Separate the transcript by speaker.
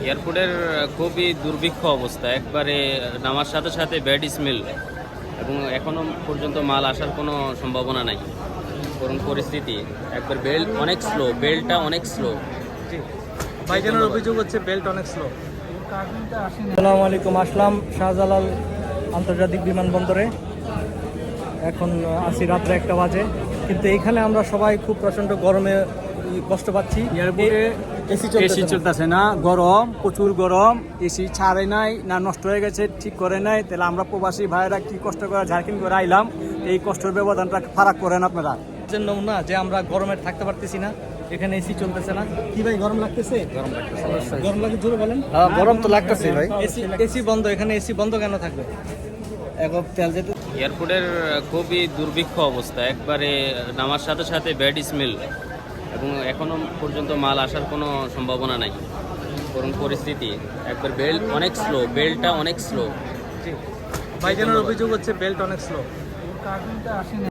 Speaker 1: এয়ারপোর্টের খুবই দুর্ভিক্ষ অবস্থা, একবারে নামার সাথে সাথে ব্যাড স্মেল, এবং এখনো পর্যন্ত মাল আসার কোনো সম্ভাবনা নাই। করুন পরিস্থিতি, একবার বেল্টটা অনেক স্লো।
Speaker 2: ভাইজানের অভিযোগ হচ্ছে বেল্ট অনেক স্লো।
Speaker 3: আসসালামু আলাইকুম। আসলাম শাহজালাল আন্তর্জাতিক বিমানবন্দরে। এখন আছি রাত্রে 1টা বাজে, কিন্তু এখানে আমরা সবাই খুব প্রচণ্ড গরমে কষ্ট পাচ্ছি।
Speaker 2: এয়ারপোর্টে এসি চলতেছে না, গরম, প্রচুর গরম। এসি ছাড়ে নাই না, নষ্ট হয়ে গেছে, ঠিক করে নাই। তাহলে আমরা প্রবাসী ভাইয়েরা কি কষ্ট করে ঝাড়খিন্ড করে আইলাম, এই কষ্টের ব্যবধানটা ফারাক করেন আপনারা।
Speaker 3: জন্য না যে আমরা গরমে থাকতে পারতেছি না, এখানে এসি চলতেছে না। কি ভাই, গরম লাগতেছে? গরম লাগে, জোরে বলেন।
Speaker 2: গরম তো লাগতেছে ভাই।
Speaker 3: এসি বন্ধ, এখানে এসি বন্ধ কেন থাকবে?
Speaker 2: এখন তেল যেতে
Speaker 1: এয়ারপোর্টের খুবই দুর্ভিক্ষ অবস্থা, একবারে নামার সাথে সাথে ব্যাড স্মেল, এবং এখনো পর্যন্ত মাল আসার কোনো সম্ভাবনা নাই। করুন পরিস্থিতি, একবার বেল্টটা অনেক স্লো।
Speaker 2: ভাইজানের অভিযোগ হচ্ছে বেল্ট অনেক স্লো।